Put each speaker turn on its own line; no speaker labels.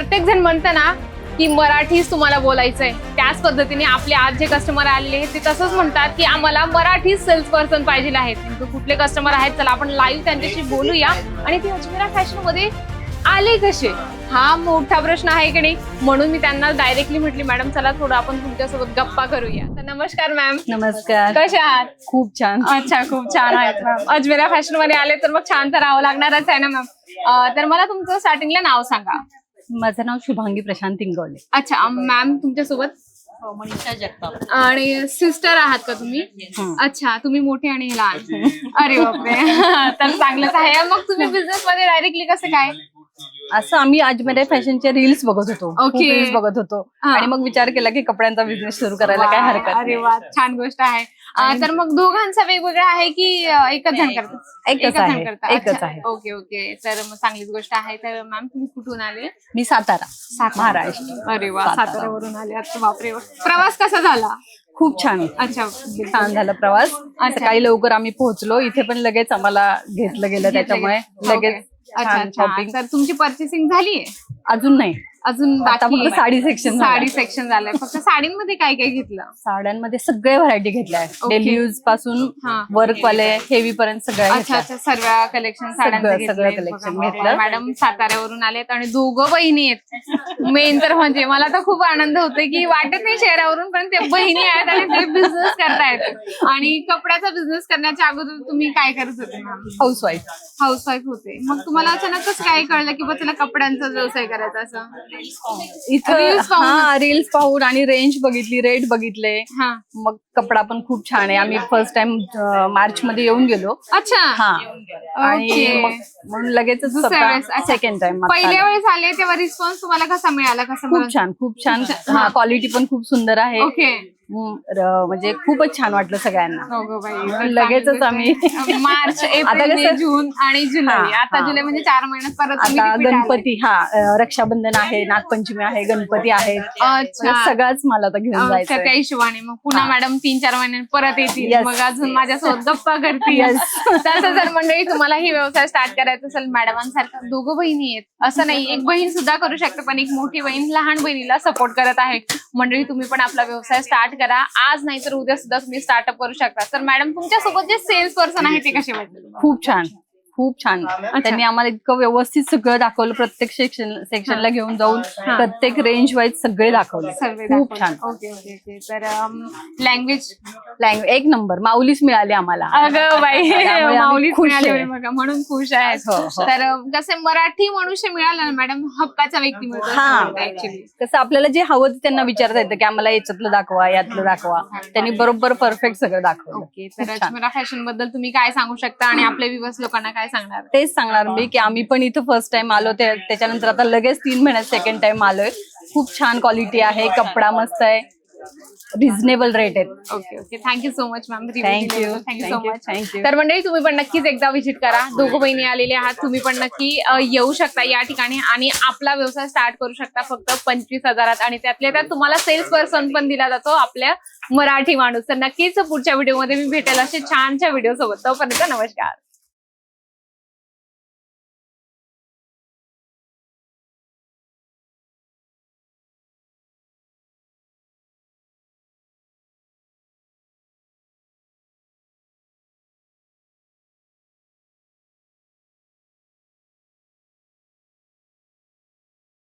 प्रत्येक जण म्हणतं ना की मराठीच तुम्हाला बोलायचंय, त्याच पद्धतीने आपले आज जे कस्टमर आलेले आहेत ते तसंच म्हणतात की आम्हाला मराठी सेल्स पर्सन पाहिजे आहेत. नेमकं कुठले कस्टमर आहेत, चला आपण लाईव्ह त्यांच्याशी बोलूया. आणि ते अजमेरा फॅशन मध्ये आले कसे, हा मोठा प्रश्न आहे की नाही. म्हणून मी त्यांना डायरेक्टली म्हटली, मॅडम चला थोडं आपण तुमच्यासोबत गप्पा करूया. तर नमस्कार मॅम.
नमस्कार.
कशा आहात?
खूप छान.
अच्छा, खूप छान आहेत मॅम. अजमेरा फॅशन मध्ये आले तर मग छान तर राहावं लागणारच आहे ना मॅम. तर मला तुमचं स्टार्टिंगला नाव सांगा.
माझं नाव शुभांगी प्रशांत इंगवले.
अच्छा मॅम, तुमच्यासोबत
मनीषा जगताप.
आणि सिस्टर आहात का तुम्ही? अच्छा, तुम्ही मोठे आणि लहान. अरे बापरे. तर चांगलंच आहे. मग तुम्ही बिझनेस मध्ये डायरेक्टली कसं काय?
असं आम्ही अजमेरा फॅशनचे रील्स बघत होतो.
ओके.
रील्स बघत होतो आणि मग विचार केला की कपड्यांचा बिझनेस सुरू करायला काय हरकत
अरे वा, छान गोष्ट आहे. तर मग दोघांचा वेगवेगळा आहे की एकच जण करतात?
एकच आहे.
करता.
एकच
अच्छा.
आहे.
Okay okay. तर मग चांगलीच गोष्ट आहे. तर मॅम तुम्ही कुठून आले?
मी सातारा, महाराष्ट्र.
अरे वा, साताऱ्यावरून आले. अच्छा बापरे. प्रवास कसा झाला?
खूप छान.
अच्छा,
छान झाला प्रवास. सकाळी लवकर आम्ही पोहोचलो इथे, पण लगेच आम्हाला घेतलं गेलं, त्याच्यामुळे लगेच
अच्छा
शॉपिंग.
तर तुमची पर्चेसिंग झालीये?
अजून नाही,
अजून
आता
बाकी
फक्त साडी सेक्शन.
साडी सेक्शन झालंय. फक्त साडींमध्ये काय काय घेतलं?
साड्यांमध्ये सगळे व्हरायटी घेतल्या आहेत. डेली यूज पासून वर्क वाले हेवी पर्यंत सगळ्या.
अच्छा अच्छा, सर्व कलेक्शन साड्यांचं
सगळं कलेक्शन घेतलं.
मॅडम साताऱ्यावरून आलेत आणि दोघं बहिणी आहेत. मेन तर म्हणजे मला तर खूप आनंद होतोय की वाटत नाही शहरावरून, पण ते बहिणी आहेत आणि ते बिझनेस करतायत. आणि कपड्याचा बिझनेस करण्याच्या अगोदर तुम्ही काय करत होते? हाऊसवाईफ होते. मग तुम्हाला अचानक कसं काय कळलं की बा तुला कपड्यांचा व्यवसाय करायचा असं?
इथं रील्स पाहून आणि रेंज बघितली, रेट बघितले.
हा.
मग कपडा पण खूप छान आहे. आम्ही फर्स्ट टाइम मार्च मध्ये येऊन गेलो.
अच्छा.
हा. आणि म्हणून लगेच सेकंड टाइम.
पहिल्या वेळेस आले तेव्हा रिस्पॉन्स तुम्हाला कसा मिळाला?
खूप छान, खूप छान. क्वालिटी पण खूप सुंदर आहे.
ओके.
म्हणजे खूपच छान वाटलं सगळ्यांना. लगेचच आम्ही
मार्च, एप्रिल, मे, जून आणि जुलै. आता जुलै म्हणजे 4 महिन्यात परत
आता गणपती, रक्षाबंधन आहे, नागपंचमी आहे, गणपती आहे. सगळंच मला आता घेऊन जायचं
त्या हिशोबाने. मग पुन्हा मॅडम 3-4 महिन्यात परत येतील, मग अजून माझ्यासोबत गप्पा करतील. तसं जर मंडळी तुम्हाला ही व्यवसाय स्टार्ट करायचा असेल, मॅडमांसारखं दोघं बहिणी आहेत असं नाही, एक बहीण सुद्धा करू शकते, पण एक मोठी बहीण लहान बहिणीला सपोर्ट करत आहे. मंडळी तुम्ही पण आपला व्यवसाय स्टार्ट करा. आज नाही तर उद्या सुद्धा तुम्ही स्टार्टअप करू शकता. तर मॅडम तुमच्यासोबत जे सेल्स पर्सन आहे ते कसे वाटले?
खूप छान, खूप छान. त्यांनी आम्हाला इतकं व्यवस्थित सगळं दाखवलं. प्रत्येक सेक्शनला घेऊन जाऊन प्रत्येक रेंज वाईज सगळे दाखवले. खूप छान.
Okay okay okay. तर लँग्वेज
एक नंबर. माऊलीच मिळाली आम्हाला.
अगं बाई, माऊलीच
खुश
मिळाली
आहे.
बघा, म्हणून खुश आहेत. तर कसे मराठी मनुष्य मिळाला ना मॅडम, हक्काचा व्यक्ती मिळतो. ऍक्च्युली
कसं आपल्याला जे हवं ते त्यांना विचारता येतं की आम्हाला याच्यातलं दाखवा, यातलं दाखवा. त्यांनी बरोबर परफेक्ट सगळं दाखवलं.
ओके. तर अजमेरा फॅशन बद्दल तुम्ही काय सांगू शकता आणि आपल्या व्ह्यूअर्स लोकांना काय सांगणार?
तेच सांगणार मी की आम्ही पण इथं फर्स्ट टाइम आलो, त्याच्यानंतर आता लगेच 3 महिन्यात सेकंड टाइम आलोय. खूप छान क्वालिटी आहे, कपडा मस्त आहे, रिझनेबल रेट आहेत.
Okay okay. Thank you so much ma'am.
Thank you
so much.
Thank you.
तर मंडळी तुम्ही पण नक्कीच एकदा व्हिजिट करा. दोघं बहिणी आलेले आहात, तुम्ही पण नक्की येऊ शकता या ठिकाणी आणि आपला व्यवसाय स्टार्ट करू शकता फक्त 25,000. आणि त्यातल्या त्यात तुम्हाला सेल्स पर्सन पण दिला जातो, आपल्या मराठी माणूस. तर नक्कीच पुढच्या व्हिडिओमध्ये मी भेटेल असे छानच्या व्हिडिओ सोबत. तोपर्यंत नमस्कार.